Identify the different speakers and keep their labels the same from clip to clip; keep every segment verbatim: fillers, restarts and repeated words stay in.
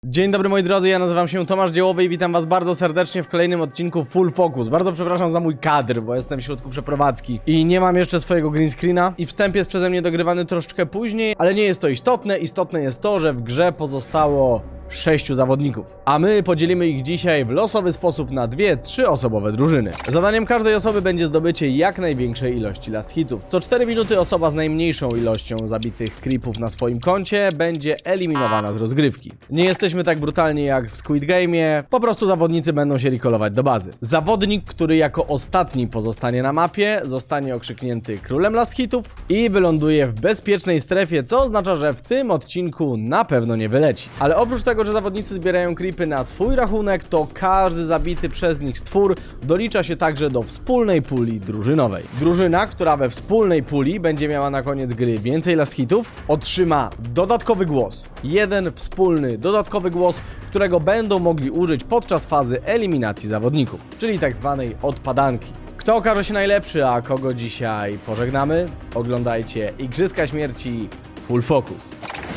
Speaker 1: Dzień dobry moi drodzy, ja nazywam się Tomasz Dziełowy i witam was bardzo serdecznie w kolejnym odcinku Full Focus. Bardzo przepraszam za mój kadr, bo jestem w środku przeprowadzki i nie mam jeszcze swojego green screena i wstęp jest przeze mnie dogrywany troszeczkę później, ale nie jest to istotne. Istotne jest to, że w grze pozostało sześciu zawodników, a my podzielimy ich dzisiaj w losowy sposób na dwie, trzyosobowe drużyny. Zadaniem każdej osoby będzie zdobycie jak największej ilości last hitów. Co cztery minuty osoba z najmniejszą ilością zabitych creepów na swoim koncie będzie eliminowana z rozgrywki. Nie jesteśmy tak brutalni jak w Squid Game'ie, po prostu zawodnicy będą się recallować do bazy. Zawodnik, który jako ostatni pozostanie na mapie, zostanie okrzyknięty królem last hitów i wyląduje w bezpiecznej strefie, co oznacza, że w tym odcinku na pewno nie wyleci. Ale oprócz tego, że zawodnicy zbierają creepy na swój rachunek, to każdy zabity przez nich stwór dolicza się także do wspólnej puli drużynowej. Drużyna, która we wspólnej puli będzie miała na koniec gry więcej last hitów, otrzyma dodatkowy głos. Jeden wspólny, dodatkowy głos, którego będą mogli użyć podczas fazy eliminacji zawodników, czyli tak zwanej odpadanki. Kto okaże się najlepszy, a kogo dzisiaj pożegnamy? Oglądajcie Igrzyska Śmierci Full Focus.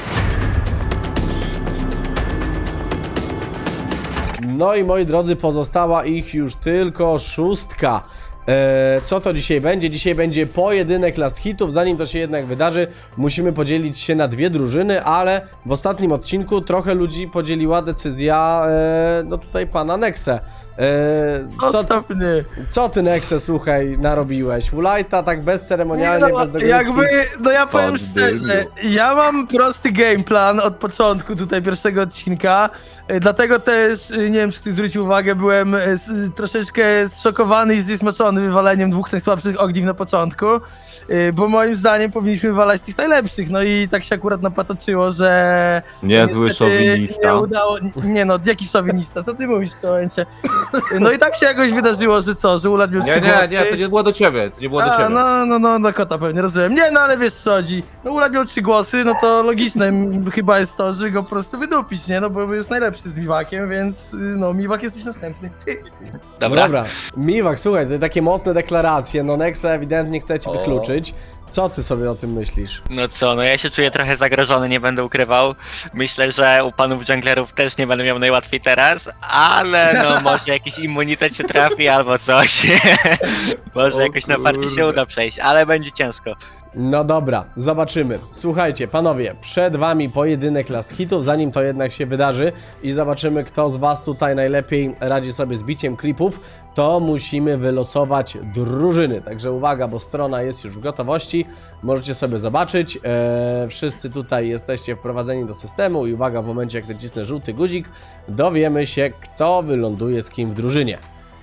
Speaker 1: No i moi drodzy, pozostała ich już tylko szóstka. Eee, co to dzisiaj będzie? Dzisiaj będzie pojedynek last hitów. Zanim to się jednak wydarzy, musimy podzielić się na dwie drużyny, ale w ostatnim odcinku trochę ludzi podzieliła decyzja, eee, no tutaj pana Nexe. Eee, co, ty, co ty Nexe, słuchaj, narobiłeś? Ulajta tak bezceremonialnie,
Speaker 2: no,
Speaker 1: bez dogrywki.
Speaker 2: Jakby, no ja powiem szczerze, ja mam prosty game plan od początku tutaj pierwszego odcinka, e, dlatego też, e, nie wiem czy ktoś zwrócił uwagę, byłem e, s, troszeczkę zszokowany i zniesmaczony wywaleniem dwóch najsłabszych ogniw na początku, e, bo moim zdaniem powinniśmy wywalać tych najlepszych, no i tak się akurat napatoczyło, że...
Speaker 3: Niezły szowinista.
Speaker 2: Nie udało, nie no, jaki szowinista, co ty mówisz w tym momencie? No i tak się jakoś wydarzyło, że co, że Ulad miał
Speaker 3: Nie,
Speaker 2: trzy
Speaker 3: nie,
Speaker 2: głosy.
Speaker 3: nie, to nie było do ciebie, to nie było do
Speaker 2: A,
Speaker 3: ciebie.
Speaker 2: no, no, no, na kota pewnie, rozumiem. Nie, no ale wiesz co chodzi. No Ulad miał trzy głosy, no to logiczne m, chyba jest to, że go po prostu wydupić, nie? No bo jest najlepszy z Miwakiem, więc y, no, Miwak jesteś następny. Ty.
Speaker 1: Dobra. Dobra. Miwak, słuchaj, to takie mocne deklaracje, no Nexe ewidentnie chce cię
Speaker 3: O.
Speaker 1: wykluczyć. Co ty sobie o tym myślisz?
Speaker 4: No co, no ja się czuję trochę zagrożony, nie będę ukrywał. Myślę, że u panów junglerów też nie będę miał najłatwiej teraz, ale no może jakiś immunitet się trafi albo coś. Może
Speaker 3: O
Speaker 4: jakoś na parcie się
Speaker 3: kurde.
Speaker 4: uda przejść, ale będzie ciężko.
Speaker 1: No dobra, zobaczymy. Słuchajcie, panowie, przed wami pojedynek last hitów, zanim to jednak się wydarzy i zobaczymy, kto z was tutaj najlepiej radzi sobie z biciem creepów, to musimy wylosować drużyny. Także uwaga, bo strona jest już w gotowości, możecie sobie zobaczyć. Eee, wszyscy tutaj jesteście wprowadzeni do systemu i uwaga, w momencie jak nacisnę żółty guzik, dowiemy się, kto wyląduje z kim w drużynie.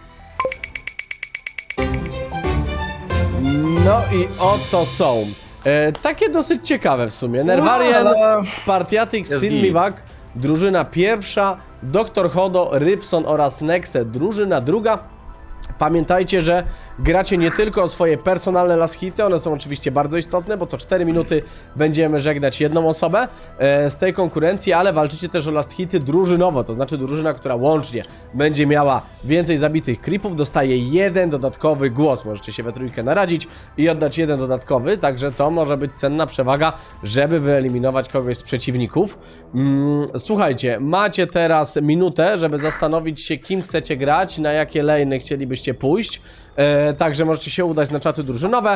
Speaker 1: No i oto są. E, takie dosyć ciekawe w sumie. Nerwarian,
Speaker 2: Wow.
Speaker 1: Spartiatic,
Speaker 3: Jest
Speaker 1: Sin
Speaker 3: git.
Speaker 1: Miwak, drużyna pierwsza, doktor Hodo, Rybson oraz Nexe, drużyna druga. Pamiętajcie, że gracie nie tylko o swoje personalne last hity, one są oczywiście bardzo istotne, bo co cztery minuty będziemy żegnać jedną osobę e, z tej konkurencji, ale walczycie też o last hity drużynowo, to znaczy drużyna, która łącznie będzie miała więcej zabitych creepów, dostaje jeden dodatkowy głos. Możecie się we trójkę naradzić i oddać jeden dodatkowy, także to może być cenna przewaga, żeby wyeliminować kogoś z przeciwników. Mm, słuchajcie, macie teraz minutę, żeby zastanowić się, kim chcecie grać, na jakie lane'y chcielibyście pójść. E, także możecie się udać na czaty drużynowe.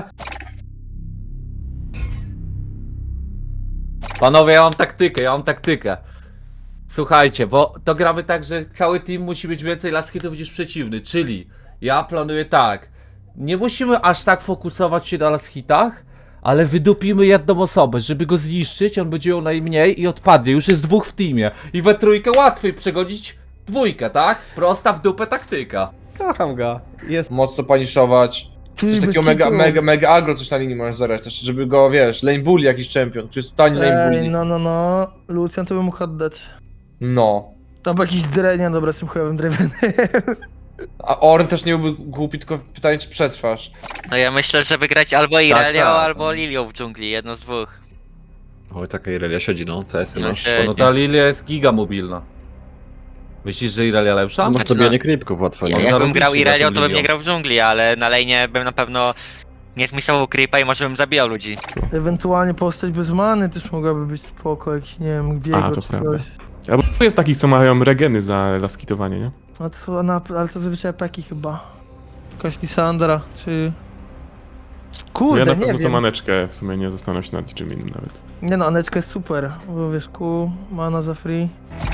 Speaker 3: Panowie, ja mam taktykę, ja mam taktykę. Słuchajcie, bo to gramy tak, że cały team musi mieć więcej last hitów niż przeciwny, czyli ja planuję tak. Nie musimy aż tak fokusować się na last hitach, ale wydupimy jedną osobę, żeby go zniszczyć, on będzie miał najmniej i odpadnie. Już jest dwóch w teamie i we trójkę łatwiej przegonić dwójkę, tak? Prosta w dupę taktyka.
Speaker 1: Kocham go. Jest.
Speaker 5: Mocno paniszować. Coś
Speaker 2: Ty,
Speaker 5: takiego
Speaker 2: bez
Speaker 5: mega,
Speaker 2: kitu.
Speaker 5: mega, mega agro coś na linii możesz zagrać też, żeby go, wiesz, lane bully jakiś champion, który jest totalnie lane
Speaker 2: Ej,
Speaker 5: bully.
Speaker 2: no, no, no, Lucian to bym mógł oddać.
Speaker 5: No.
Speaker 2: Tam był jakiś drenia, dobra, z tym chujowym drewenem.
Speaker 5: A Orn też nie byłby głupi, tylko pytanie, czy przetrwasz.
Speaker 4: No ja myślę, że wygrać albo Irelią,
Speaker 3: tak.
Speaker 4: albo Lilią w dżungli, jedno z dwóch.
Speaker 6: Oj, taka Irelia siedzi, no, C S-y
Speaker 4: No
Speaker 6: masz.
Speaker 4: siedzi.
Speaker 3: No ta Lilia jest giga mobilna. Myślisz, że Irelia lepsza?
Speaker 6: No masz
Speaker 4: Znaczy,
Speaker 6: to bijanie
Speaker 4: no,
Speaker 6: creepków łatwe, no.
Speaker 4: Ja, jakbym
Speaker 3: zarobiście
Speaker 4: grał
Speaker 3: na
Speaker 4: Irelią,
Speaker 3: tym
Speaker 4: to bym nie
Speaker 3: Lilią.
Speaker 4: grał w dżungli, ale na lane'ie bym na pewno nie zmisował creepa i może bym zabijał ludzi.
Speaker 2: Ewentualnie postać bez many też mogłaby być spoko, jakiś, nie wiem, Viego
Speaker 6: A, to
Speaker 2: czy
Speaker 6: prawda.
Speaker 2: coś.
Speaker 7: Albo jest takich, co mają regeny za laskitowanie, nie?
Speaker 2: No to, na, ale to zazwyczaj peki chyba. Jakaś Lisandra, czy... Kurde,
Speaker 7: ja na
Speaker 2: nie
Speaker 7: pewno
Speaker 2: wiem.
Speaker 7: to maneczkę w sumie nie zastanawiam się nad niczym innym nawet.
Speaker 2: Nie no, Aneczka jest super, bo wiesz, Q, mana za free.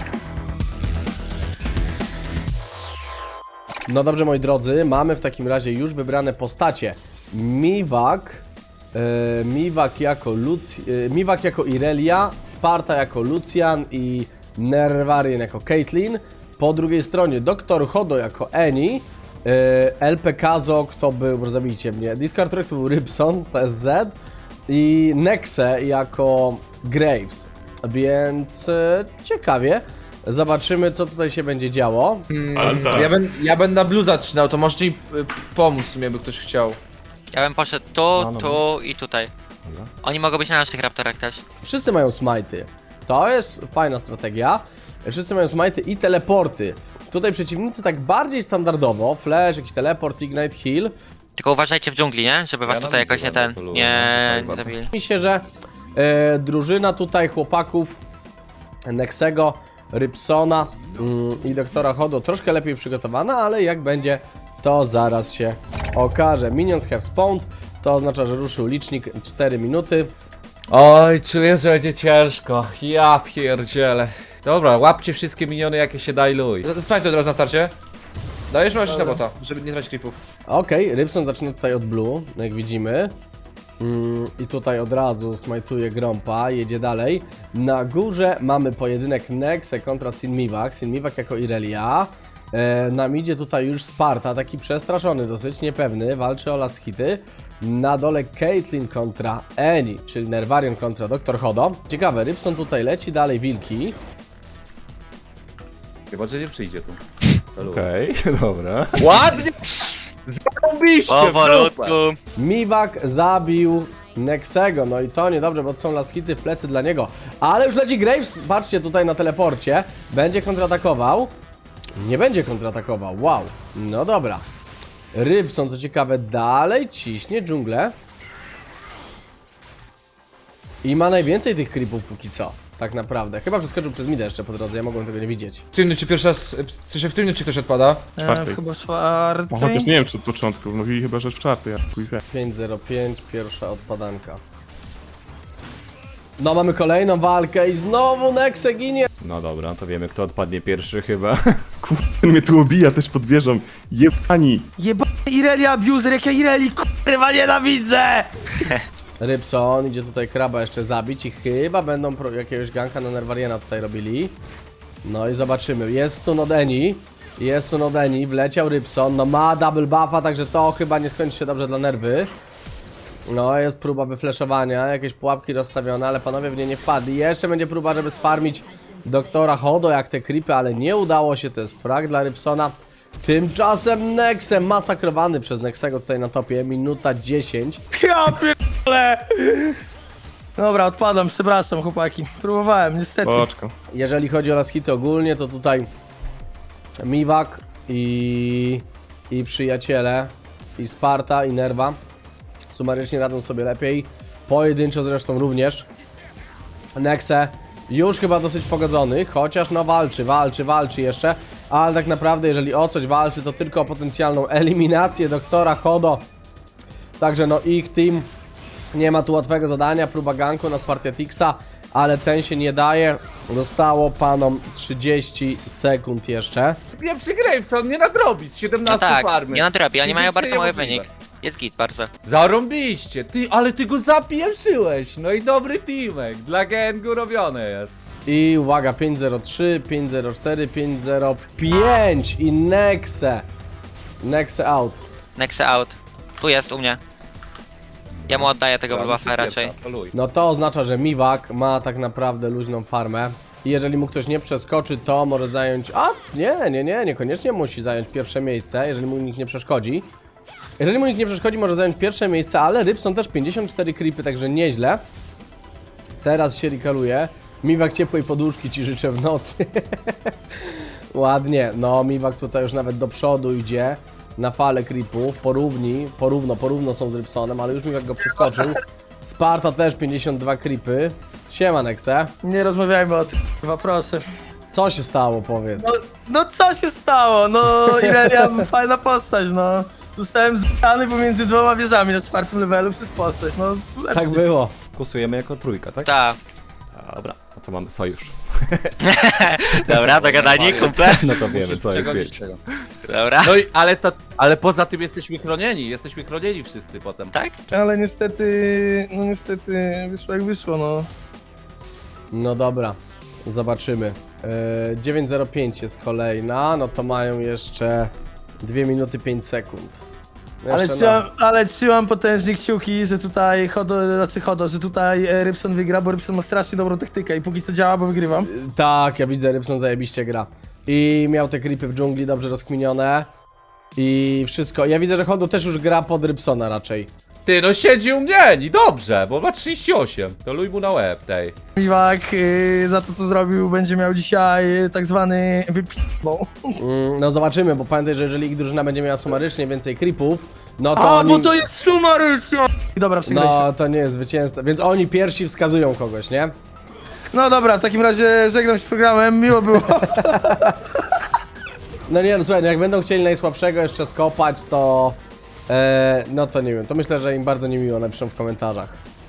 Speaker 1: No dobrze, moi drodzy, mamy w takim razie już wybrane postacie. Miwak, e, Miwak jako Luc, e, Miwak jako Irelia, Sparta jako Lucian i Nervarian jako Caitlyn. Po drugiej stronie doktor Hodo jako Annie, e, L P Kazok to był, zabijcie mnie, Discard Track to był Rybson, P S Z i Nexe jako Graves. Więc e, ciekawie. Zobaczymy, co tutaj się będzie działo.
Speaker 7: Ale tak.
Speaker 5: Ja, ben, ja będę na blue zaczynał, to możecie mi y, pomóc w sumie, by ktoś chciał.
Speaker 4: Ja bym poszedł tu,
Speaker 1: No, no,
Speaker 4: tu i tutaj. Oni mogą być na naszych raptorach też.
Speaker 1: Wszyscy mają smajty. To jest fajna strategia. Wszyscy mają smajty i teleporty. Tutaj przeciwnicy tak bardziej standardowo. Flash, jakiś teleport, ignite, heal.
Speaker 4: Tylko uważajcie w dżungli, nie? Żeby was
Speaker 6: Ja
Speaker 4: tutaj
Speaker 6: na
Speaker 4: jakoś nie
Speaker 6: widzę,
Speaker 4: ten,
Speaker 6: poluję,
Speaker 4: nie
Speaker 6: no, to
Speaker 4: zabili.
Speaker 1: Mi się, że e, drużyna tutaj chłopaków Nexego, Rybsona mm, i doktora Hodo troszkę lepiej przygotowana, ale jak będzie, to zaraz się okaże. Minions have spawned, to oznacza, że ruszył licznik cztery minuty.
Speaker 3: Oj, czuję, że będzie ciężko. Ja pierdzielę. Dobra, łapcie wszystkie miniony, jakie się da i luj.
Speaker 5: Zostań to od razu na starcie. Dajesz możesz na bota, żeby nie tracić creepów.
Speaker 1: Okej, Rybson zaczyna tutaj od blue, jak widzimy. Mm, I tutaj od razu smajtuje Grompa, jedzie dalej. Na górze mamy pojedynek Nexe kontra Sinmiwak. Sinmiwak jako Irelia. E, na midzie tutaj już Sparta, taki przestraszony, dosyć niepewny, walczy o last hity. Na dole Caitlyn kontra Annie, czyli Nervarian kontra doktor Hodo. Ciekawe, Rybson tutaj leci, dalej wilki.
Speaker 3: Chyba, że nie przyjdzie tu.
Speaker 6: Okej, dobra.
Speaker 3: Ładnie! Zarobiście!
Speaker 4: Powolutku.
Speaker 1: Miwak zabił Nexego, no i to niedobrze, bo to są last hity w plecy dla niego. Ale już leci Graves, patrzcie tutaj na teleporcie. Będzie kontratakował. Nie będzie kontratakował, wow. No dobra. Rybson, co ciekawe, dalej ciśnie dżunglę. I ma najwięcej tych creepów póki co, tak naprawdę. Chyba przeskoczył przez midę jeszcze po drodze, ja mogłem tego nie widzieć.
Speaker 5: W którym czy pierwszy raz, w sensie w którym czy ktoś odpada?
Speaker 2: E,
Speaker 7: Czwartej.
Speaker 2: chyba czwartej.
Speaker 7: No, chociaż nie wiem, czy od początku. Mówili chyba, że w czwartej, ja chuj wie.
Speaker 1: pięć zero pięć, pierwsza odpadanka. No mamy kolejną walkę i znowu Nexe ginie.
Speaker 6: No dobra, to wiemy kto odpadnie pierwszy chyba.
Speaker 7: Kurde, mnie tu obija też pod wieżą. Jebani!
Speaker 2: Jebany Irelia abuser, jak ja Ireli kurwa nienawidzę!
Speaker 1: Rybson idzie tutaj kraba jeszcze zabić i chyba będą pro jakiegoś ganka na Nervariana tutaj robili. No i zobaczymy. Jest tu Nodeni. Jest tu Nodeni. Wleciał Rybson. No ma double buffa, także to chyba nie skończy się dobrze dla nerwy. No jest próba wyfleszowania. Jakieś pułapki rozstawione, ale panowie w nie nie wpadli. Jeszcze będzie próba, żeby sfarmić doktora Hodo jak te creepy, ale nie udało się. To jest frag dla Rybsona. Tymczasem Nexe masakrowany przez Nexego tutaj na topie. Minuta dziesięć.
Speaker 2: Ja pierdolę! Dobra, odpadam, przepraszam chłopaki. Próbowałem, niestety.
Speaker 7: Oczko.
Speaker 1: Jeżeli chodzi o last hity ogólnie, to tutaj Miwak i, i przyjaciele, i Sparta, i Nerva sumarycznie radzą sobie lepiej. Pojedynczo zresztą również. Nexe już chyba dosyć pogodzony, chociaż no walczy, walczy, walczy jeszcze. Ale tak naprawdę, jeżeli o coś walczy, to tylko o potencjalną eliminację doktora Hodo. Także no ich team nie ma tu łatwego zadania, próba ganku na Spartiatixa, ale ten się nie daje. Zostało panom trzydzieści sekund jeszcze.
Speaker 3: Nie przygraj, co on nie nadrobi z
Speaker 4: No
Speaker 3: siedemnastu
Speaker 4: tak,
Speaker 3: farmy.
Speaker 4: nie nadrobi, oni mają
Speaker 3: Fizycznie
Speaker 4: bardzo mały
Speaker 3: niemożliwe.
Speaker 4: wynik. Jest git bardzo.
Speaker 3: Zarąbiście, ty, ale ty go zapieprzyłeś. No i dobry teamek, dla gangu robione jest.
Speaker 1: I uwaga, pięć zero trzy, pięć zero cztery, pięć zero pięć i Nexe. Nexe out.
Speaker 4: Nexe out. Tu jest u mnie. Ja mu oddaję tego buffa raczej.
Speaker 1: No to oznacza, że Miwak ma tak naprawdę luźną farmę. I jeżeli mu ktoś nie przeskoczy, to może zająć... A, nie, nie, nie, niekoniecznie musi zająć pierwsze miejsce, jeżeli mu nikt nie przeszkodzi. Jeżeli mu nikt nie przeszkodzi, może zająć pierwsze miejsce, ale Rybson też pięćdziesiąt cztery creepy, także nieźle. Teraz się rikaluje. Miwak ciepłej poduszki ci życzę w nocy. Ładnie, no Miwak tutaj już nawet do przodu idzie. Na falę creepów, porówni, porówno, porówno są z Rybsonem, ale już Miwak go przeskoczył. Sparta też pięćdziesiąt dwa creepy. Siema Nexe.
Speaker 2: Nie rozmawiajmy o tym, chyba proszę.
Speaker 1: Co się stało, powiedz?
Speaker 2: No, no co się stało? No Irelia, fajna postać, no. Zostałem zbany pomiędzy dwoma wieżami na czwartym levelu przez postać, no lepszy.
Speaker 1: Tak było.
Speaker 6: Głosujemy jako trójka, tak?
Speaker 4: Tak.
Speaker 6: Dobra, no to mamy sojusz.
Speaker 4: Dobra, dogadanie, kumple.
Speaker 6: No to wiemy,
Speaker 3: Musisz
Speaker 6: co jest
Speaker 3: przegonić
Speaker 6: bieć.
Speaker 3: tego.
Speaker 4: Dobra.
Speaker 3: No i, ale to, ale poza tym jesteśmy chronieni, jesteśmy chronieni wszyscy potem.
Speaker 4: Tak?
Speaker 2: Ale niestety, no niestety wyszło jak wyszło, no.
Speaker 1: No dobra, zobaczymy. Yy, dziewięć zero pięć jest kolejna, no to mają jeszcze dwie minuty pięć sekund. No
Speaker 2: Ale
Speaker 1: jeszcze
Speaker 2: trzymam, ale trzymam potężnie kciuki, że tutaj Hodo, znaczy Hodo, że tutaj e, Rybson wygra, bo Rybson ma strasznie dobrą taktykę i póki co działa, bo wygrywam.
Speaker 1: no. Tak, ja widzę, Rybson zajebiście gra. I miał te creepy w dżungli dobrze rozkminione. I wszystko. Ja widzę, że Hodo też już gra pod Rybsona raczej.
Speaker 3: Ty, no siedzi u mnie, i dobrze, bo ma trzydzieści osiem. To luj mu na łeb tej.
Speaker 2: Miwak y, za to co zrobił będzie miał dzisiaj y, tak zwany wypibą.
Speaker 1: Mm, no zobaczymy, bo pamiętaj, że jeżeli ich drużyna będzie miała sumarycznie więcej creepów, no to
Speaker 2: A,
Speaker 1: oni...
Speaker 2: bo to jest sumarycznie! Dobra, przegraliśmy.
Speaker 1: No, to nie jest zwycięzca, więc oni pierwsi wskazują kogoś, nie?
Speaker 2: No dobra, w takim razie żegnam się z programem, miło było.
Speaker 1: No nie, no słuchaj, no jak będą chcieli najsłabszego jeszcze skopać, to... E, no to nie wiem, to myślę, że im bardzo niemiło napiszą w komentarzach.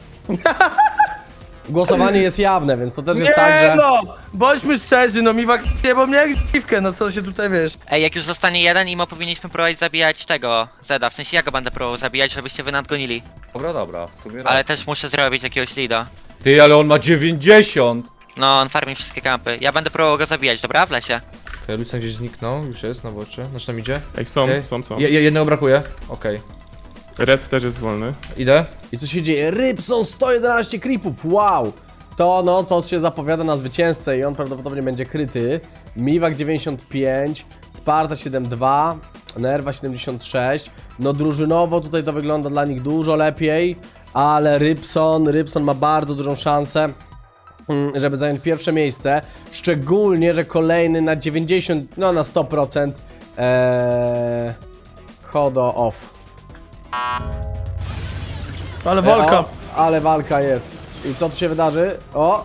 Speaker 1: Głosowanie jest jawne, więc to też jest
Speaker 2: Nie
Speaker 1: tak, że...
Speaker 2: no, bądźmy szczerzy, no Miwak nie, bo mnie jak dziwkę, no co się tutaj wiesz.
Speaker 4: Ej, jak już zostanie jeden, imo powinniśmy próbować zabijać tego Zeda. W sensie ja go będę próbował zabijać, żebyście wy nadgonili.
Speaker 3: Dobra, dobra, w sumie
Speaker 4: Ale
Speaker 3: raz.
Speaker 4: też muszę zrobić jakiegoś leada.
Speaker 3: Ty, ale on ma dziewięćdziesiąt!
Speaker 4: No, on farmi wszystkie kampy. Ja będę próbował go zabijać, dobra? W lesie.
Speaker 5: Okay, Lucian gdzieś zniknął, już jest na bocie. Znaczy tam idzie.
Speaker 7: Ej, są,
Speaker 5: Okej.
Speaker 7: są, są.
Speaker 5: Je, je- jednego brakuje. Okej.
Speaker 7: Red też jest wolny.
Speaker 5: Idę.
Speaker 1: I co się dzieje? Rybson sto jedenaście creepów, wow! To no, to się zapowiada na zwycięzcę i on prawdopodobnie będzie kryty. Miwak dziewięćdziesiąt pięć, Sparta siedemdziesiąt dwa, Nerwa siedemdziesiąt sześć. No drużynowo tutaj to wygląda dla nich dużo lepiej, ale Rybson, Rybson ma bardzo dużą szansę, mm, żeby zająć pierwsze miejsce. Szczególnie, że kolejny na dziewięćdziesiąt, no na sto procent ee, Hodo off.
Speaker 2: Ale walka.
Speaker 1: O, ale walka jest. I co tu się wydarzy? O!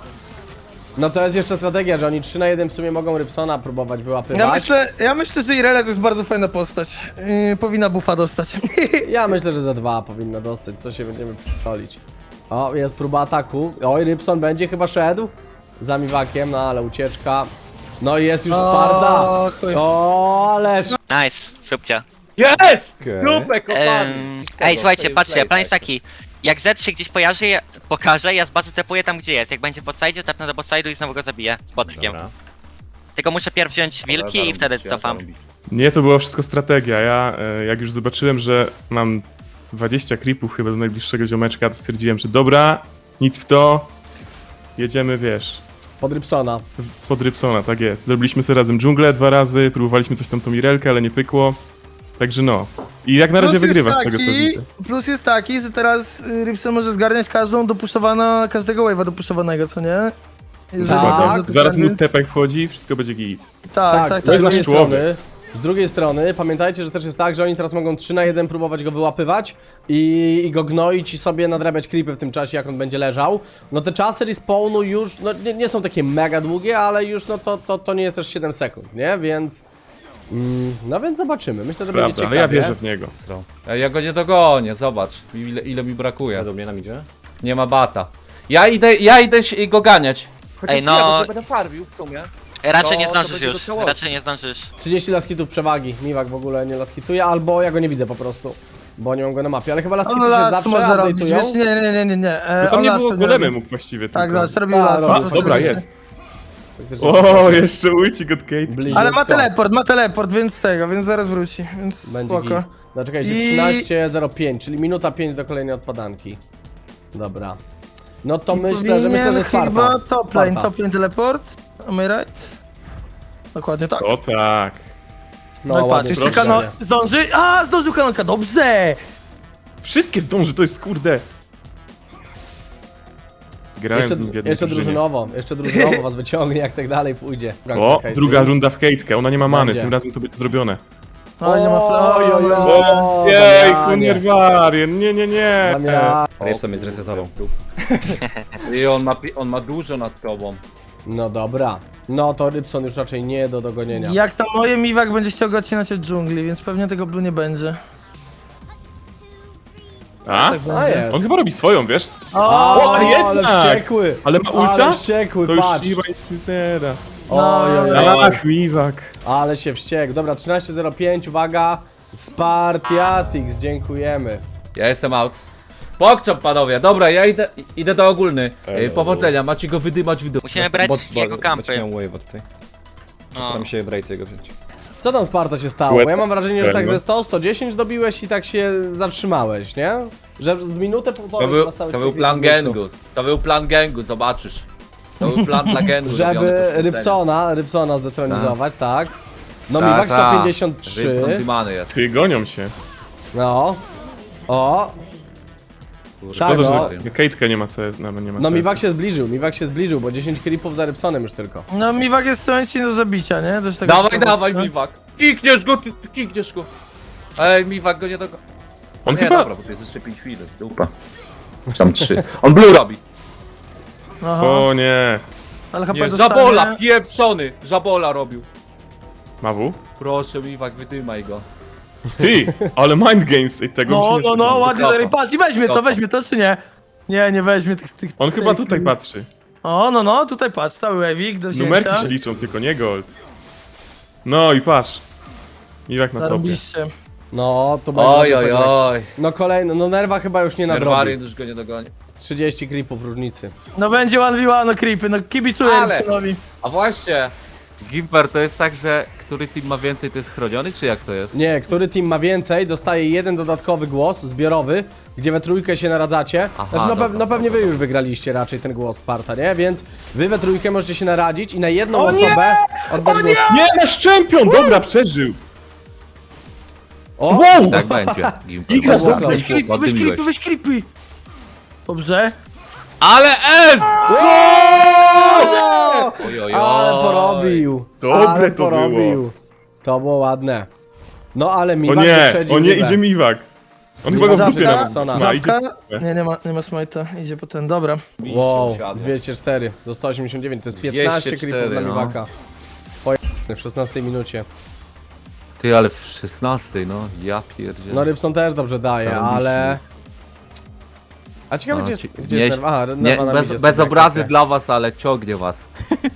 Speaker 1: No to jest jeszcze strategia, że oni trzy na jeden w sumie mogą Rybsona próbować wyłapywać.
Speaker 2: Ja myślę, ja myślę, że Irelia to jest bardzo fajna postać. Yy, powinna buffa dostać.
Speaker 1: Ja myślę, że za dwa powinno dostać, co się będziemy p***olić. O, jest próba ataku. Oj, Rybson będzie chyba szedł za Miwakiem, no ale ucieczka. No i jest już Sparta.
Speaker 2: O, chuj.
Speaker 1: O, ależ.
Speaker 4: Nice, subcia.
Speaker 3: Jest!
Speaker 6: Okej.
Speaker 3: Grupę kopany!
Speaker 4: Em, Ej, słuchajcie, patrzcie, plan jest taki. Jak Zed się gdzieś pojawi, ja, pokaże, ja z bazy tepuję tam gdzie jest. Jak będzie w botside, tepnę do botside'u i znowu go zabiję z botrkiem.
Speaker 6: Dobra.
Speaker 4: Tylko muszę pierw wziąć wilki i wtedy cofam.
Speaker 7: Nie, to była wszystko strategia. Ja, e, jak już zobaczyłem, że mam dwadzieścia creepów chyba do najbliższego ziomeczka, to stwierdziłem, że dobra, nic w to, jedziemy, wiesz,
Speaker 1: Pod Rybsona.
Speaker 7: pod Rybsona, tak jest. Zrobiliśmy sobie razem dżunglę dwa razy, próbowaliśmy coś tam tą Mirelkę, ale nie pykło. Także no. I jak na razie
Speaker 2: Plus jest
Speaker 7: wygrywa z tego, co
Speaker 2: taki-
Speaker 7: widzę.
Speaker 2: Plus jest taki, że teraz y, Rybson może zgarniać każdą dopuszowana, każdego wave'a dopuszowanego, co nie? Jeżeli
Speaker 1: Tak.
Speaker 2: dobrze to
Speaker 7: Zaraz mu
Speaker 2: zgarniać.
Speaker 7: tepek wchodzi, wszystko będzie git.
Speaker 2: Tak, tak,
Speaker 1: z
Speaker 2: tak.
Speaker 7: jest
Speaker 1: drugiej
Speaker 7: nasz człowiek.
Speaker 1: strony, z drugiej strony, pamiętajcie, że też jest tak, że oni teraz mogą trzy na jeden próbować go wyłapywać i, i go gnoić i sobie nadrabiać creepy w tym czasie, jak on będzie leżał. No te czasy respawnu już, no nie, nie są takie mega długie, ale już no to, to, to nie jest też siedem sekund, nie? Więc... Mm, no więc zobaczymy, myślę, że będzie
Speaker 7: Prawda,
Speaker 1: ciekawie.
Speaker 7: ale ja wierzę w niego.
Speaker 3: Ej, ja go nie dogonię, zobacz ile, ile mi brakuje.
Speaker 6: Do mnie nam idzie?
Speaker 3: Nie ma bata. Ja idę, ja idę się- go ganiać. Chociaż
Speaker 4: Ej, no-
Speaker 3: ja go sobie będę farmił w sumie.
Speaker 4: Raczej
Speaker 3: No,
Speaker 4: nie
Speaker 3: to
Speaker 4: zdążysz
Speaker 3: będzie
Speaker 4: już,
Speaker 3: docelowo.
Speaker 4: raczej nie zdążysz.
Speaker 1: trzydzieści laskitów przewagi, Miwak w ogóle nie laskituje, albo ja go nie widzę po prostu, bo nie mam go na mapie, ale chyba laskity
Speaker 2: On
Speaker 1: się
Speaker 2: las
Speaker 1: zawsze
Speaker 2: może robić,
Speaker 1: update'ują.
Speaker 2: wiesz? Nie, nie, nie, nie, nie. E,
Speaker 7: No tam
Speaker 2: on
Speaker 7: nie
Speaker 2: las
Speaker 7: było
Speaker 2: wtedy
Speaker 7: golemy
Speaker 2: robi.
Speaker 7: mógł właściwie
Speaker 2: Tak,
Speaker 7: tylko.
Speaker 2: zobacz, robił
Speaker 1: A,
Speaker 2: las.
Speaker 1: robił.
Speaker 7: A, dobra, jest.
Speaker 1: Faktycznie.
Speaker 7: O, jeszcze ucik od Kate.
Speaker 1: Bliźniutko.
Speaker 2: Ale ma teleport, ma teleport, więc z tego, więc zaraz wróci, więc
Speaker 1: Będzie
Speaker 2: spoko.
Speaker 1: git. No czekajcie,
Speaker 2: I-
Speaker 1: trzynaście zero pięć, czyli minuta pięć do kolejnej odpadanki. Dobra. No to myślę, że myślę,
Speaker 2: Powinien
Speaker 1: że Sparta.
Speaker 2: chyba top lane,
Speaker 1: Sparta.
Speaker 2: top lane teleport. Am I right? Dokładnie tak.
Speaker 7: O tak.
Speaker 1: No,
Speaker 2: No i patrz,
Speaker 1: ładnie
Speaker 2: jeszcze
Speaker 1: proszę.
Speaker 2: kanon... Zdąży? A, zdążył kanonka, dobrze!
Speaker 7: Wszystkie zdąży, to jest kurde. Grałem
Speaker 1: Jeszcze,
Speaker 7: z nim w jednej
Speaker 1: jeszcze
Speaker 7: drużynie.
Speaker 1: drużynowo, jeszcze drużynowo was wyciągnie, jak tak dalej pójdzie.
Speaker 7: O,
Speaker 1: Czekaj,
Speaker 7: druga
Speaker 1: ty.
Speaker 7: runda w Kate'kę, ona nie ma many,
Speaker 1: Będzie.
Speaker 7: tym razem to będzie zrobione.
Speaker 2: Oj, nie ma
Speaker 1: Oj, oj,
Speaker 2: fla.
Speaker 1: oj.
Speaker 7: Jej,
Speaker 1: Damianie.
Speaker 7: Kunierwarien, nie, nie, nie.
Speaker 1: Damian.
Speaker 6: Rybson mnie zresetował.
Speaker 3: I on ma, pi- on ma dużo nad tobą.
Speaker 1: No dobra. No to Rybson już raczej nie do dogonienia.
Speaker 2: Jak tam moje Miwak będzie chciał go odcinać od dżungli, więc pewnie tego blue nie będzie.
Speaker 7: A?
Speaker 2: Tak
Speaker 1: A
Speaker 2: będzie.
Speaker 1: jest.
Speaker 7: On chyba robi swoją, wiesz?
Speaker 2: O,
Speaker 7: ale jednak!
Speaker 1: ale wściekły!
Speaker 7: Ale ma ulta?
Speaker 1: Ale wściekły,
Speaker 7: To już
Speaker 1: patrz!
Speaker 7: chyba nic nie da.
Speaker 1: Oj, oj, oj.
Speaker 7: Ach, Miwak.
Speaker 1: Ale się wściekł. Dobra, trzynaście zero pięć, uwaga. Spartiatix, dziękujemy.
Speaker 3: Ja jestem out. Pokczop, panowie. Dobra, ja idę, idę do ogólny. Ej, powodzenia, macie go wydymać w dół.
Speaker 4: Musimy brać jego kampy.
Speaker 6: Będziesz miał wave'a tutaj.
Speaker 4: No.
Speaker 6: Postaram się Wraith jego wziąć.
Speaker 1: Co tam Sparta się stało? Bo ja mam wrażenie, że tak ze sto, sto dziesięć dobiłeś i tak się zatrzymałeś, nie? Że z minutę półtorej
Speaker 3: To był,
Speaker 1: zostałeś
Speaker 3: to
Speaker 1: w
Speaker 3: był
Speaker 1: tej
Speaker 3: plan
Speaker 1: miejscu.
Speaker 3: gangu. To był plan gangu, zobaczysz. To był plan dla gangu. robiony
Speaker 1: Żeby
Speaker 3: poświęcenia.
Speaker 1: Rybsona, Rybsona zdetronizować, tak? No
Speaker 3: Tak,
Speaker 1: Miwak
Speaker 3: tak.
Speaker 1: sto pięćdziesiąt trzy.
Speaker 3: Rybson Dimany jest.
Speaker 7: Ty, gonią się.
Speaker 1: No. O. Tak,
Speaker 7: Szkoda,
Speaker 1: no.
Speaker 7: że Kate'ka nie ma C S, nawet nie ma
Speaker 1: No
Speaker 7: C S.
Speaker 1: Miwak się zbliżył, Miwak się zbliżył, bo dziesięć creepów za Rybsonem już tylko.
Speaker 2: No Miwak jest w tym momencie nie do zabicia, nie? Też tego
Speaker 3: Dawaj,
Speaker 2: szkoda,
Speaker 3: dawaj,
Speaker 2: no.
Speaker 3: Miwak. Kikniesz go, ty, ty kikniesz go. Ej, Miwak go nie do...
Speaker 7: On
Speaker 3: nie,
Speaker 7: chyba...
Speaker 3: dobra, bo to jest jeszcze pięć chwil. Dupa. Tam trzy. On blue robi.
Speaker 2: Aha,
Speaker 7: O nie.
Speaker 2: ale chyba
Speaker 3: Nie,
Speaker 2: dostanie...
Speaker 3: żabola, pieprzony. Żabola robił.
Speaker 7: Ma W?
Speaker 3: Proszę, Miwak, wydymaj go.
Speaker 7: Ty, ale mind games i tego
Speaker 2: No,
Speaker 7: mi się nie
Speaker 2: no, no,
Speaker 7: spodziewałem.
Speaker 2: ładnie
Speaker 3: Cofa.
Speaker 2: zaryj, patrz i weźmie to,
Speaker 3: Cofa.
Speaker 2: weźmie to, czy nie? Nie, nie weźmie tych... tych
Speaker 7: On
Speaker 2: tych,
Speaker 7: chyba tutaj patrzy.
Speaker 2: O, no, no, tutaj patrz, cały wewik do wzięcia.
Speaker 7: Numerki się liczą, tylko nie gold. No i patrz. Miwak na topie.
Speaker 2: Zarobiście.
Speaker 1: No, to będzie...
Speaker 3: Oj,
Speaker 1: dobry
Speaker 3: oj,
Speaker 1: pojedynek.
Speaker 3: oj.
Speaker 1: No kolejny, no Nerwa chyba już nie nadrobi.
Speaker 3: Nerwarian już go nie dogoni.
Speaker 1: trzydzieści creepów różnicy.
Speaker 2: No będzie one v one, no creepy, no kibicuję
Speaker 3: Ale-
Speaker 2: Rybsonowi.
Speaker 3: A właśnie, Gimper, to jest tak, że który team ma więcej, to jest chroniony, czy jak to jest?
Speaker 1: Nie, który team ma więcej, dostaje jeden dodatkowy głos, zbiorowy, gdzie we trójkę się naradzacie.
Speaker 3: Aha,
Speaker 1: Znaczy, no,
Speaker 3: dobra,
Speaker 1: pe no pewnie wy
Speaker 3: dobra,
Speaker 1: już wygraliście raczej ten głos Sparta, nie? Więc wy we trójkę możecie się naradzić i na jedną
Speaker 2: O nie!
Speaker 1: osobę oddać głos.
Speaker 7: Nie, nasz czempion! Dobra, przeżył!
Speaker 1: O!
Speaker 7: Wow!
Speaker 3: Tak będzie, Gimper.
Speaker 1: Igra
Speaker 3: Bardzo
Speaker 1: za-
Speaker 3: ładnie.
Speaker 2: Weź creepy, weź
Speaker 3: Oddymiłeś.
Speaker 2: creepy, weź creepy. Dobrze.
Speaker 3: Ale S!
Speaker 1: O!
Speaker 3: Oj, oj,
Speaker 1: Ale
Speaker 3: oj.
Speaker 1: porobił!
Speaker 7: Dobre
Speaker 1: ale
Speaker 7: to
Speaker 1: porobił.
Speaker 7: było.
Speaker 1: To było ładne. No ale mi
Speaker 7: O nie, o nie, idzie Miwak. On chyba go w
Speaker 1: Zawsze
Speaker 7: dupie
Speaker 1: Żabka?
Speaker 7: nawet
Speaker 1: Sona.
Speaker 7: ma, idzie
Speaker 2: Żabka?
Speaker 7: w dupę.
Speaker 2: Nie, nie ma, nie ma smite'a, idzie po ten, dobra.
Speaker 1: Wow,
Speaker 3: Siadło.
Speaker 1: dwieście cztery do sto osiemdziesiąt dziewięć, to jest
Speaker 3: dwieście
Speaker 1: piętnaście
Speaker 3: cztery,
Speaker 1: creepów dla
Speaker 3: no.
Speaker 1: Miwaka. Po w szesnastej minucie.
Speaker 3: Ty, ale w szesnastej, no, ja pierdzielę.
Speaker 1: No Rybson też dobrze daje,
Speaker 3: Zarobiście.
Speaker 1: ale... A ciekawe
Speaker 3: No,
Speaker 1: gdzie jest,
Speaker 3: ci-
Speaker 1: gdzie
Speaker 3: nie-
Speaker 1: jest Nerwa? Aha,
Speaker 3: Nie,
Speaker 1: Nerwa na
Speaker 3: bez,
Speaker 1: midzie
Speaker 3: bez
Speaker 1: sobie,
Speaker 3: obrazy
Speaker 1: okej.
Speaker 3: dla was, ale ciągnie was.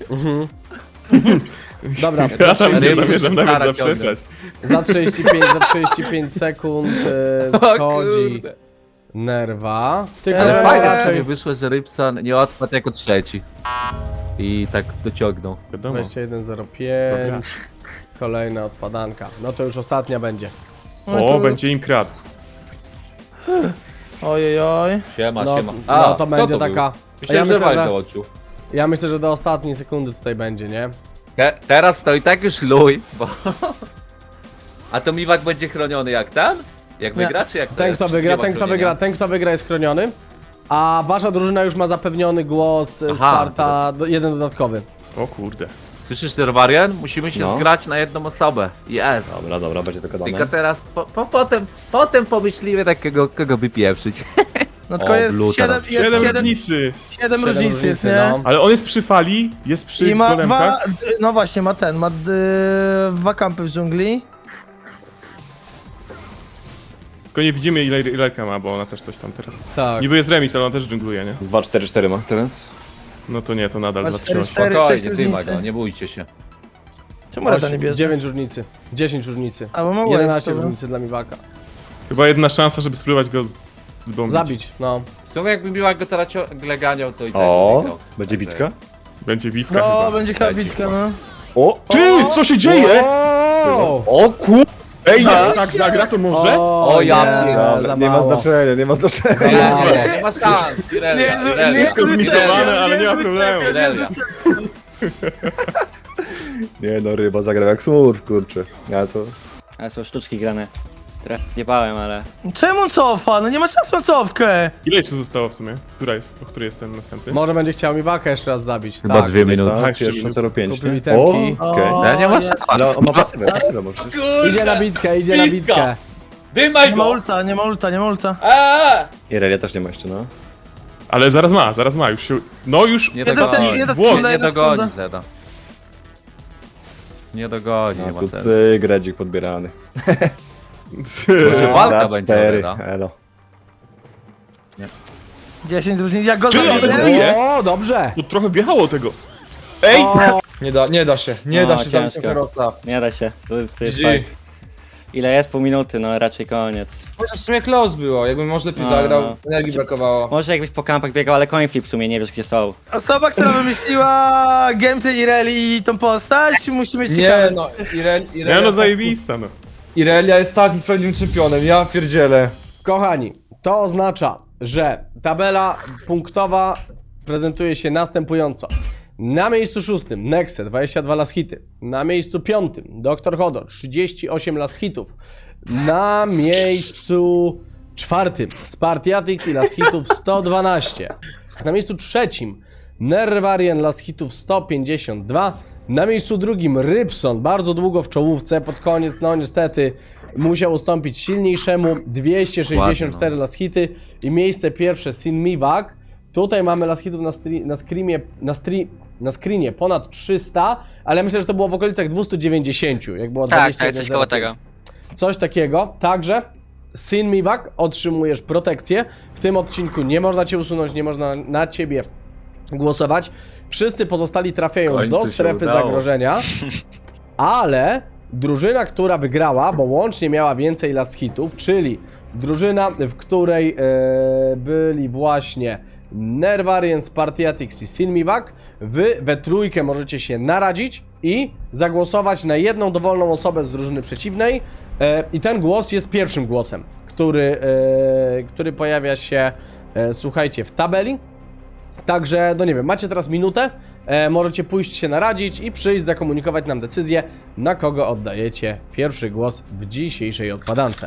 Speaker 1: Dobra,
Speaker 7: Ja
Speaker 1: za
Speaker 7: tam nie
Speaker 3: Ryby
Speaker 1: trzydzieści,
Speaker 7: zamierzam
Speaker 3: stara
Speaker 7: nawet
Speaker 3: ciągle.
Speaker 7: zaprzeczać.
Speaker 1: za trzydzieści pięć, za trzydzieści pięć sekund e,
Speaker 3: O
Speaker 1: schodzi
Speaker 3: kurde.
Speaker 1: Nerwa. Tylko
Speaker 3: Ale
Speaker 2: Eee.
Speaker 3: fajnie
Speaker 1: raczej
Speaker 3: sobie wyszło, że Rybson nie odpadł jako trzeci. I tak dociągnął.
Speaker 7: Wiadomo.
Speaker 1: dwadzieścia jeden zero pięć. Kolejna odpadanka. No to już ostatnia będzie.
Speaker 2: No
Speaker 7: O,
Speaker 2: to-
Speaker 7: będzie im kradł.
Speaker 2: Ojej, oj.
Speaker 3: Siema,
Speaker 1: No,
Speaker 3: siema.
Speaker 1: no to
Speaker 3: kto
Speaker 1: będzie
Speaker 3: był?
Speaker 1: taka... A
Speaker 3: Myślałem,
Speaker 1: ja
Speaker 3: że
Speaker 1: myślę,
Speaker 3: Wal
Speaker 1: że,
Speaker 3: dołączył.
Speaker 1: ja myślę, że do ostatniej sekundy tutaj będzie, nie?
Speaker 3: Te, teraz to i tak już luj, bo... A to Miwak będzie chroniony jak ten? Jak
Speaker 2: Nie.
Speaker 3: wygra, czy jak to
Speaker 1: Ten
Speaker 3: jest?
Speaker 1: kto
Speaker 3: Czy
Speaker 1: wygra,
Speaker 3: nie ma
Speaker 1: ten kto
Speaker 3: chronienia?
Speaker 1: wygra, ten kto wygra jest chroniony. A wasza drużyna już ma zapewniony głos e,
Speaker 3: Aha,
Speaker 1: Sparta, do, jeden dodatkowy.
Speaker 7: O kurde.
Speaker 3: Słyszysz, Nerwarian? Musimy się
Speaker 6: No.
Speaker 3: zgrać na jedną osobę. Jest.
Speaker 6: Dobra, dobra, będzie tylko
Speaker 3: Tylko
Speaker 6: dane.
Speaker 3: teraz, po, po, potem, potem pomyślimy takiego, kogo wypieprzyć.
Speaker 2: No tylko
Speaker 3: O,
Speaker 2: jest
Speaker 3: blue
Speaker 2: siedem,
Speaker 3: teraz.
Speaker 2: jest
Speaker 7: Siedem
Speaker 2: siedem,
Speaker 7: różnicy!
Speaker 2: siedem różnic jest, nie?
Speaker 1: no.
Speaker 7: Ale on jest przy fali, jest przy
Speaker 2: I ma
Speaker 7: golemkach.
Speaker 2: dwa, no właśnie, ma ten, ma d, dwa kampy w dżungli.
Speaker 7: Tylko nie widzimy ile Ileka ma, bo ona też coś tam teraz.
Speaker 1: Tak.
Speaker 7: Niby jest remis, ale ona też dżungluje, nie?
Speaker 6: dwa cztery cztery ma teraz.
Speaker 7: No to nie, to nadal
Speaker 2: Ma
Speaker 7: dwa trzy
Speaker 2: cztery,
Speaker 7: osiem.
Speaker 2: cztery.
Speaker 3: Spokojnie,
Speaker 2: sześć
Speaker 3: dyma
Speaker 2: różnicy.
Speaker 3: go, nie bójcie się.
Speaker 2: Czemu Reda nie bierze?
Speaker 1: dziewięć różnicy. dziesięć różnicy.
Speaker 2: A, bo ma wave,
Speaker 1: jedenaście
Speaker 2: dobra.
Speaker 1: różnicy dla Miwaka.
Speaker 7: Chyba jedna szansa, żeby spróbować go z- zbombić.
Speaker 1: Zabić, no.
Speaker 3: W sumie jakby Miwak go teraz ciągle ganiał, to i tak by
Speaker 6: O,
Speaker 3: wygrał.
Speaker 6: będzie
Speaker 3: Także-
Speaker 6: bitka.
Speaker 7: Będzie bitka
Speaker 2: No,
Speaker 7: chyba.
Speaker 2: będzie krabitka, no.
Speaker 6: O!
Speaker 7: Ty, co się dzieje?
Speaker 1: O,
Speaker 3: O kur...
Speaker 7: Ej, jak tak zagra, to może?
Speaker 3: O, ja
Speaker 1: nie,
Speaker 3: pierdolę,
Speaker 1: za
Speaker 6: Dobra, nie ma
Speaker 1: mało.
Speaker 6: znaczenia, nie ma znaczenia.
Speaker 3: Nie, nie, nie ma szans. Irelia,
Speaker 2: Nie,
Speaker 3: Irelia.
Speaker 2: nie,
Speaker 7: Wszystko zmisowane, ale nie ma problemu.
Speaker 3: Irelia.
Speaker 6: Nie no, ryba zagrał jak smurf, kurczę. Ja to...
Speaker 8: Ale są sztuczki grane. Trochę nie bałem, ale...
Speaker 2: Czemu cofa? No nie ma czasu na cofkę.
Speaker 7: Ile jeszcze zostało w sumie? Która jest, o której jest ten następny?
Speaker 1: Może będzie chciał Miwaka jeszcze raz zabić.
Speaker 3: Chyba
Speaker 1: tak.
Speaker 3: dwie minuty.
Speaker 6: Tak,
Speaker 7: jeszcze
Speaker 6: pierwsza
Speaker 7: minut.
Speaker 6: zero pięć,
Speaker 1: Kupił
Speaker 6: nie?
Speaker 1: itemki.
Speaker 6: O, okej.
Speaker 2: O,
Speaker 3: Ja nie ma
Speaker 2: jest.
Speaker 3: szans.
Speaker 6: Ale on ma pasywę, pasywę może.
Speaker 1: Idzie na bitkę, idzie na
Speaker 3: Bitka.
Speaker 1: bitkę.
Speaker 3: Dymaj
Speaker 2: Nie ma
Speaker 3: go!
Speaker 2: ulta, nie ma ulta, nie ma ulta.
Speaker 3: Eee!
Speaker 6: Irelia też nie ma jeszcze, no.
Speaker 7: Ale zaraz ma, zaraz ma, już się... No już...
Speaker 3: Nie
Speaker 2: Jedna
Speaker 3: dogoni,
Speaker 2: sekunda, jedna
Speaker 7: Włos.
Speaker 2: sekunda,
Speaker 3: nie
Speaker 2: jedna
Speaker 3: dogoni
Speaker 2: sekunda.
Speaker 3: Zeda. Nie dogoni, nie
Speaker 6: No
Speaker 3: ma
Speaker 6: tu
Speaker 3: sensu.
Speaker 6: cyk, redzik podbierany.
Speaker 3: Może
Speaker 6: No,
Speaker 3: walka
Speaker 6: da
Speaker 3: będzie
Speaker 6: cztery,
Speaker 3: Reda.
Speaker 6: elo.
Speaker 2: dziesięć różnic, jak go
Speaker 7: Ty, ale
Speaker 2: zabiję?
Speaker 7: bije.
Speaker 1: O, dobrze!
Speaker 7: To trochę wjechało tego.
Speaker 5: Ej!
Speaker 1: O,
Speaker 5: Nie da, nie da się, nie
Speaker 8: No,
Speaker 5: da się zabić
Speaker 8: ciężko.
Speaker 5: Herosa.
Speaker 8: Nie da się. To jest, to jest
Speaker 5: G G.
Speaker 8: fight. Ile jest? Pół minuty, no raczej koniec.
Speaker 5: Chociaż w sumie close było, jakbym może lepiej
Speaker 8: No,
Speaker 5: zagrał,
Speaker 8: no.
Speaker 5: energii brakowało.
Speaker 8: Może jakbyś po kampach biegał, ale coin flip w sumie nie wiesz gdzie są.
Speaker 2: Osoba, która wymyśliła gameplay Ireli i tą postać, musi mieć
Speaker 5: Nie
Speaker 2: ciekawe...
Speaker 5: no, Irel,
Speaker 7: Nie
Speaker 5: Irelia,
Speaker 7: no, zajebista no.
Speaker 5: Irelia jest takim sprawiedliwym czempionem, ja pierdzielę.
Speaker 1: kochani, to oznacza, że tabela punktowa prezentuje się następująco. Na miejscu szóstym Nexe, dwadzieścia dwa last hity. Na miejscu piątym doktor Hodor, trzydzieści osiem last hitów. Na miejscu czwartym Spartiatix i last hitów sto dwanaście. Na miejscu trzecim Nervarian last hitów sto pięćdziesiąt dwa. Na miejscu drugim Rybson, bardzo długo w czołówce, pod koniec, no niestety musiał ustąpić silniejszemu, dwieście sześćdziesiąt cztery
Speaker 3: Ładnie, no.
Speaker 1: last hity. I miejsce pierwsze Sin Miwak. Tutaj mamy last hitów na, stri- na, screamie, na, stri- na screenie ponad trzysta, ale myślę, że to było w okolicach dwieście dziewięćdziesiąt, jak było
Speaker 4: Tak,
Speaker 1: dwadzieścia
Speaker 4: tak,
Speaker 1: jeden
Speaker 4: coś koło
Speaker 1: zero pięć.
Speaker 4: tego.
Speaker 1: Coś takiego. Także Sin Miwak, otrzymujesz protekcję. W tym odcinku nie można cię usunąć, nie można na ciebie głosować. Wszyscy pozostali trafiają
Speaker 3: W końcu
Speaker 1: do
Speaker 3: się
Speaker 1: strefy
Speaker 3: udało.
Speaker 1: zagrożenia, ale drużyna, która wygrała, bo łącznie miała więcej last hitów, czyli drużyna, w której e, byli właśnie Nervarian, Spartiatix i Sin Miwak, wy we trójkę możecie się naradzić i zagłosować na jedną dowolną osobę z drużyny przeciwnej e, i ten głos jest pierwszym głosem, który, e, który pojawia się, e, słuchajcie, w tabeli. Także, no nie wiem, macie teraz minutę, e, możecie pójść się naradzić i przyjść, zakomunikować nam decyzję, na kogo oddajecie pierwszy głos w dzisiejszej odpadance.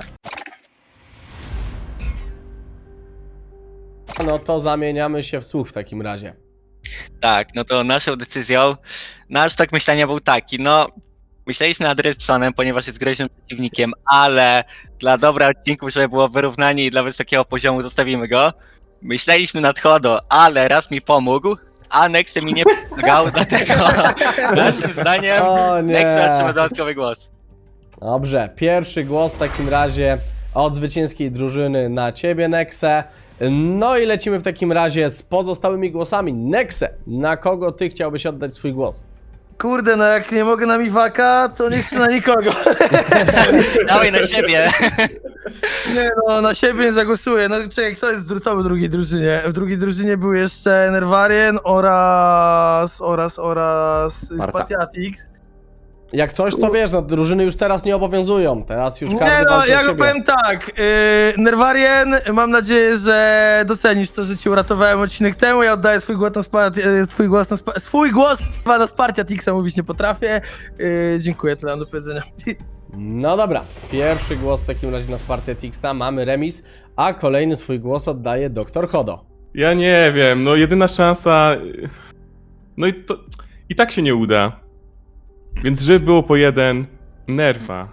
Speaker 1: No to zamieniamy się w słuch w takim razie.
Speaker 4: Tak, no to naszą decyzją, nasz tok myślenia był taki, no myśleliśmy nad Rybsonem, ponieważ jest groźnym przeciwnikiem, ale dla dobra odcinków, żeby było wyrównanie i dla wysokiego poziomu zostawimy go. Myśleliśmy nad Hodo, ale raz mi pomógł, a Nexe mi nie pomagał, dlatego naszym zdaniem
Speaker 1: O nie.
Speaker 4: Nexe otrzyma dodatkowy głos.
Speaker 1: Dobrze, pierwszy głos w takim razie od zwycięskiej drużyny na ciebie, Nexe. No i lecimy w takim razie z pozostałymi głosami. Nexe, na kogo ty chciałbyś oddać swój głos?
Speaker 2: Kurde, no jak nie mogę na Miwaka, to nie chcę na nikogo.
Speaker 4: Dawaj na siebie.
Speaker 2: Nie no, na siebie nie zagłosuję. No czekaj, kto jest co w drugiej drużynie? W drugiej drużynie był jeszcze Nervarien oraz... oraz... oraz... Spartiatix.
Speaker 1: Jak coś, to wiesz, no drużyny już teraz nie obowiązują. Teraz już każdy
Speaker 2: Nie no,
Speaker 1: walczy o
Speaker 2: ja go
Speaker 1: siebie.
Speaker 2: powiem tak. Yy, Nervarien, mam nadzieję, że docenisz to, że ci uratowałem odcinek temu. Ja oddaję swój głos na Spart... yy, swój głos na Spart... swój głos k***a, na Spartiatixa mówić nie potrafię. Yy, dziękuję, tyle mam do powiedzenia.
Speaker 1: No dobra, pierwszy głos w takim razie na Spartiatixa, mamy remis, a kolejny swój głos oddaje doktor Hodo.
Speaker 7: Ja nie wiem, no jedyna szansa... No i to... I tak się nie uda. Więc żeby było po jeden... Nerfa.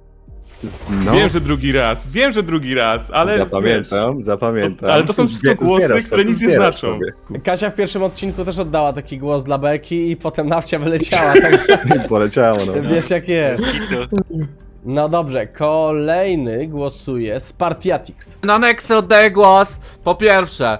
Speaker 6: No,
Speaker 7: Wiem, że drugi raz, wiem, że drugi raz, ale...
Speaker 6: zapamiętam, zapamiętam.
Speaker 7: To- ale to są wszystko głosy,
Speaker 6: Zbierasz
Speaker 7: które
Speaker 6: sobie,
Speaker 7: nic nie
Speaker 6: zbierasz
Speaker 7: znaczą.
Speaker 6: sobie.
Speaker 1: Kasia w pierwszym odcinku też oddała taki głos dla Beki i potem nawcia wyleciała, także
Speaker 6: Poleciało, no.
Speaker 1: wiesz jak jest.
Speaker 4: Kitu.
Speaker 1: No dobrze, kolejny głosuje Spartiatix.
Speaker 3: Na Nexę oddaję głos. Po pierwsze,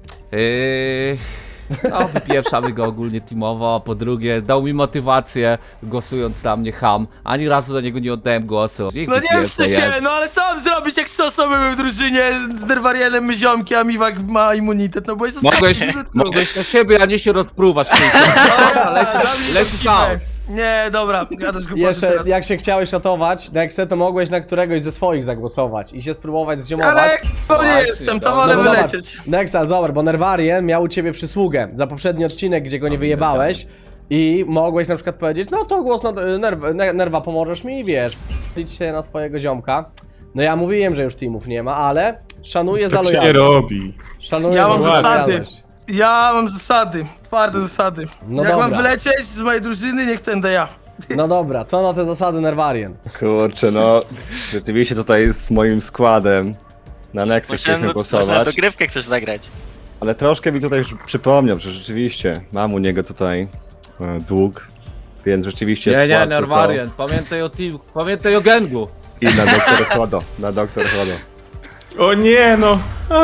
Speaker 3: yy, no, wypieprzamy go ogólnie teamowo, a po drugie, dał mi motywację, głosując na mnie ham. Ani razu za niego nie oddałem głosu. Niech
Speaker 2: No nie wiem,
Speaker 3: wypieprza
Speaker 2: co się,
Speaker 3: jest.
Speaker 2: no ale co mam zrobić, jak trzy osoby były w drużynie z Nervarienem, my ziomki, a Miwak ma immunitet, no bo jest
Speaker 3: Mogłeś, mogłeś na siebie, a nie się rozpruwać. Dobra, lecisz, lecisz out.
Speaker 2: Nie, dobra, gadasz głupoty
Speaker 1: Jeszcze
Speaker 2: teraz.
Speaker 1: jak się chciałeś ratować, Nexe, to mogłeś na któregoś ze swoich zagłosować i się spróbować ziomować.
Speaker 2: Ale to nie
Speaker 3: Właśnie,
Speaker 2: jestem, to
Speaker 3: no,
Speaker 2: wolę
Speaker 1: bo zobacz,
Speaker 2: wylecieć.
Speaker 1: Nexe, ale zobacz, bo Nervarien miał u ciebie przysługę za poprzedni odcinek, gdzie go nie wyjebałeś i mogłeś na przykład powiedzieć, no to głos na nerwa, nerwa pomożesz mi i wiesz, licz się na swojego ziomka. No ja mówiłem, że już teamów nie ma, ale szanuję za
Speaker 7: Tak się nie
Speaker 1: lojalność.
Speaker 7: robi.
Speaker 1: Szanuję
Speaker 2: Ja
Speaker 1: za
Speaker 2: mam zasady.
Speaker 1: lojalność.
Speaker 2: Ja mam zasady, twarde zasady.
Speaker 1: No
Speaker 2: jak
Speaker 1: dobra.
Speaker 2: mam wylecieć z mojej drużyny, niech to będę ja.
Speaker 1: No dobra, co na te zasady Nervarien?
Speaker 6: Kurczę, no. Rzeczywiście tutaj z moim składem na Nexę
Speaker 4: Może
Speaker 6: chcieliśmy
Speaker 4: no, może na
Speaker 6: głosować.
Speaker 4: dogrywkę chcesz zagrać.
Speaker 6: Ale troszkę mi tutaj już przypomniał, że rzeczywiście mam u niego tutaj e, dług, więc rzeczywiście
Speaker 3: Nie, nie,
Speaker 6: spłacę to.
Speaker 3: Norwarian, pamiętaj o team, pamiętaj o gangu.
Speaker 6: I na doktor Chodo, na doktor Chodo.
Speaker 7: O nie, no!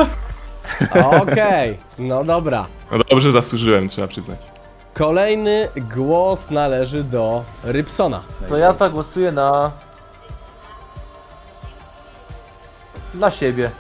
Speaker 1: Okej, no dobra.
Speaker 7: No dobrze zasłużyłem, trzeba przyznać.
Speaker 1: Kolejny głos należy do Rybsona.
Speaker 9: To ja zagłosuję na... Na siebie.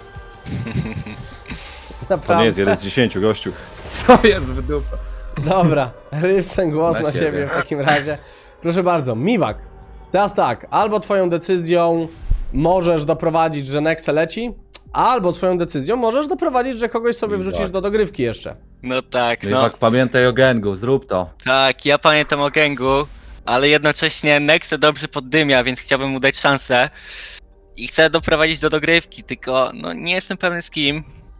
Speaker 6: To
Speaker 1: Naprawdę.
Speaker 6: nie jest jeden z dziesięciu, gościu.
Speaker 3: Co jest w dupę?
Speaker 1: Dobra, Rybson głos na,
Speaker 3: Na
Speaker 1: siebie.
Speaker 3: siebie.
Speaker 1: w takim razie. Proszę bardzo, Miwak. Teraz tak, albo twoją decyzją możesz doprowadzić, że Nexe leci, albo swoją decyzją możesz doprowadzić, że kogoś sobie
Speaker 3: Miwak.
Speaker 1: wrzucisz do dogrywki jeszcze.
Speaker 4: No tak,
Speaker 3: No,
Speaker 4: no.
Speaker 3: i tak, pamiętaj o gangu, zrób to.
Speaker 4: Tak, ja pamiętam o gangu, ale jednocześnie Nexe dobrze poddymia, więc chciałbym mu dać szansę. I chcę doprowadzić do dogrywki, tylko no nie jestem pewny z kim.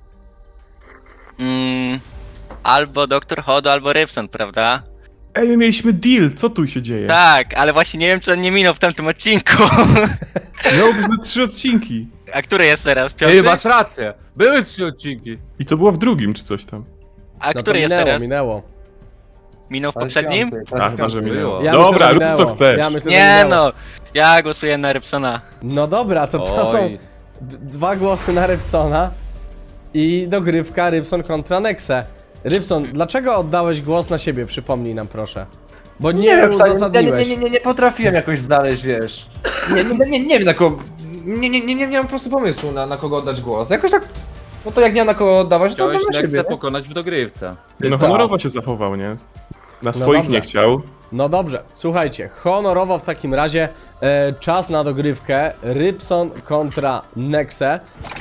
Speaker 4: Mm, albo doktor Hodo, albo Rybson, prawda?
Speaker 7: Ej, my mieliśmy deal, co tu się dzieje?
Speaker 4: Tak, ale właśnie nie wiem, czy on nie minął w tamtym odcinku.
Speaker 7: Miało być na trzy odcinki.
Speaker 4: A który jest teraz?
Speaker 3: Ty
Speaker 4: Piąty?
Speaker 3: masz rację, były trzy odcinki.
Speaker 7: I to było w drugim, czy coś tam.
Speaker 4: A
Speaker 1: No to
Speaker 4: który jest
Speaker 1: minęło,
Speaker 4: teraz?
Speaker 1: minęło.
Speaker 4: Minął w poprzednim?
Speaker 7: A, chyba, że minęło.
Speaker 1: Ja
Speaker 7: Dobra,
Speaker 1: myślę, że
Speaker 7: rób co
Speaker 1: minęło.
Speaker 7: chcesz.
Speaker 1: Ja myślę, że
Speaker 4: Nie
Speaker 1: minęło.
Speaker 4: no, ja głosuję na Rybsona.
Speaker 1: No dobra, to to są
Speaker 3: Oj.
Speaker 1: d- dwa głosy na Rybsona i dogrywka Rybson kontra Nexe. Rybson, dlaczego oddałeś głos na siebie? Przypomnij nam proszę. Bo nie,
Speaker 9: Nie wiem, tak, nie,
Speaker 1: uzasadniłeś.
Speaker 9: nie, nie, nie, nie potrafiłem jakoś znaleźć, wiesz.
Speaker 5: Nie, nie, nie, nie wiem na kogo... Nie, nie, nie, nie, nie mam po prostu pomysłu na, na kogo oddać głos. Jakoś tak... No to jak nie ma na kogo oddawać, to
Speaker 3: Chciałeś
Speaker 5: oddam na
Speaker 3: Nexę
Speaker 5: siebie, nie?
Speaker 3: pokonać w dogrywce.
Speaker 7: No honorowo się zachował, nie? Na swoich
Speaker 1: dobrze.
Speaker 7: nie chciał.
Speaker 1: No dobrze, słuchajcie, honorowo w takim razie e, czas na dogrywkę Rybson kontra Nexe.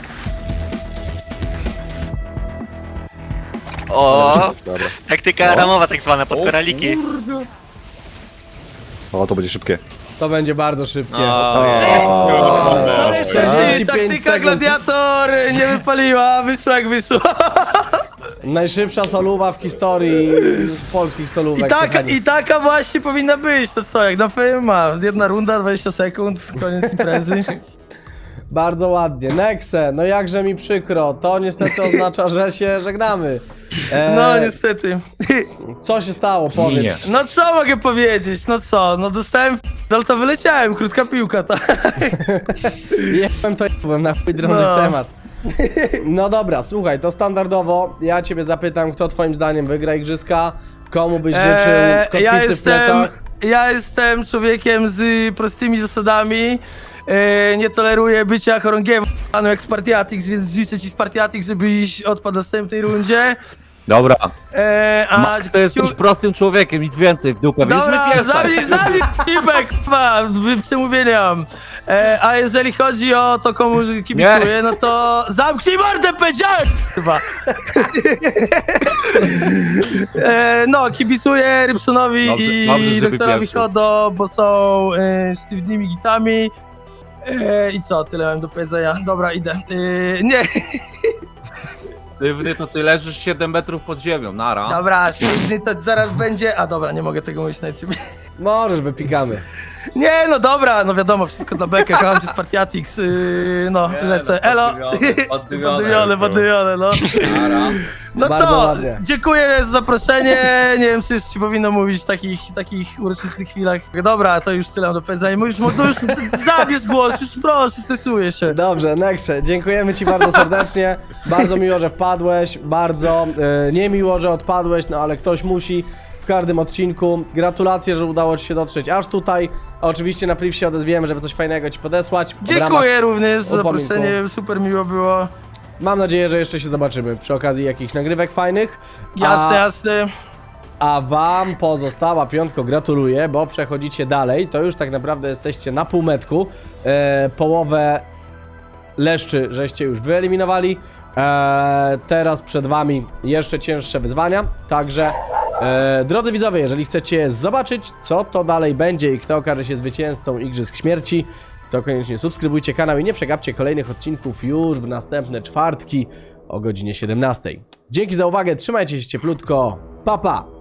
Speaker 4: O,
Speaker 6: Dobra.
Speaker 4: taktyka ramowa tak zwana, pod koraliki.
Speaker 6: O, to będzie szybkie.
Speaker 1: To będzie bardzo szybkie.
Speaker 4: O,
Speaker 1: czterdzieści
Speaker 2: Ej,
Speaker 1: pięć
Speaker 2: taktyka
Speaker 1: sekund.
Speaker 2: gladiator nie wypaliła, wyszła jak wyszła.
Speaker 1: Najszybsza soluwa w historii polskich
Speaker 2: I
Speaker 1: solówek.
Speaker 2: taka,
Speaker 1: kochani.
Speaker 2: I taka właśnie powinna być, to co, jak na F ma jedna runda, dwadzieścia sekund, koniec imprezy.
Speaker 1: Bardzo ładnie. Nexe, no jakże mi przykro. To niestety oznacza, że się żegnamy. E,
Speaker 2: No niestety.
Speaker 1: Co się stało? Powiedz.
Speaker 3: Minie.
Speaker 2: No co mogę powiedzieć, no co, no dostałem ale to wyleciałem, krótka piłka, tak.
Speaker 1: Jebłem to jebłem, na chuj drążyć
Speaker 2: No.
Speaker 1: temat. No dobra, słuchaj, to standardowo ja ciebie zapytam, kto twoim zdaniem wygra igrzyska, komu byś życzył
Speaker 2: Eee,
Speaker 1: kotwicy
Speaker 2: ja
Speaker 1: w
Speaker 2: jestem,
Speaker 1: plecach.
Speaker 2: ja jestem człowiekiem z prostymi zasadami. E, nie toleruję bycia chorągiewą panu jak Spartiatix, więc życzę ci Spartiatix, żebyś odpadł w następnej rundzie.
Speaker 3: Dobra,
Speaker 2: E, a
Speaker 3: Max to jest
Speaker 2: ciu-
Speaker 3: już prostym człowiekiem, nic więcej w dupę, więc
Speaker 2: Dobra,
Speaker 3: wypieszaj.
Speaker 2: zabij, zabij, Pipek, kurwa, przemówienia mam. E, a jeżeli chodzi o to, komu kibicuję, no to zamknij mordę, powiedziałem, kurwa. e, no, kibicuję Rybsonowi
Speaker 3: Dobrze-
Speaker 2: i
Speaker 3: dobrze, że
Speaker 2: doktorowi
Speaker 3: wypieprzył.
Speaker 2: Hodo, bo są e, sztywnymi gitami. E, I co, tyle mam do powiedzenia. Dobra, idę. E, nie,
Speaker 3: Sztywny to ty leżysz siedem metrów pod ziemią, nara.
Speaker 2: dobra, sztywny to zaraz będzie. A dobra, nie mogę tego mówić na YouTube.
Speaker 1: Możesz, wypikamy.
Speaker 2: Nie, no dobra, no wiadomo, wszystko dla bekę, kocham cię Spartiatix, yy, no,
Speaker 3: Nie,
Speaker 2: lecę,
Speaker 3: no,
Speaker 2: elo,
Speaker 3: poddymione, poddymione,
Speaker 2: poddymione, poddymione, no.
Speaker 3: Nara.
Speaker 2: No
Speaker 1: Bardzo
Speaker 2: co,
Speaker 1: ładnie.
Speaker 2: dziękuję za zaproszenie, nie wiem, czy jeszcze ci powinno mówić w takich, takich uroczystych chwilach. Dobra, to już tyle mam do powiedzenia, już, no już zabierz głos, już proszę, stresuję się.
Speaker 1: Dobrze, Nexe, dziękujemy ci bardzo serdecznie. Bardzo miło, że wpadłeś, bardzo e, niemiło, że odpadłeś, no ale ktoś musi w każdym odcinku. Gratulacje, że udało ci się dotrzeć aż tutaj. Oczywiście na priv się odezwiemy, żeby coś fajnego ci podesłać. w ramach-
Speaker 2: Dziękuję również za
Speaker 1: upominku.
Speaker 2: zaproszenie, super miło było.
Speaker 1: Mam nadzieję, że jeszcze się zobaczymy przy okazji jakichś nagrywek fajnych.
Speaker 2: Jasne,
Speaker 1: A,
Speaker 2: jasne.
Speaker 1: a wam pozostała piątko gratuluję, bo przechodzicie dalej. To już tak naprawdę jesteście na półmetku. E, połowę leszczy żeście już wyeliminowali. E, teraz przed wami jeszcze cięższe wyzwania. Także e, drodzy widzowie, jeżeli chcecie zobaczyć, co to dalej będzie i kto okaże się zwycięzcą Igrzysk Śmierci, to koniecznie subskrybujcie kanał i nie przegapcie kolejnych odcinków już w następne czwartki o godzinie siedemnastej. Dzięki za uwagę, trzymajcie się cieplutko, pa pa!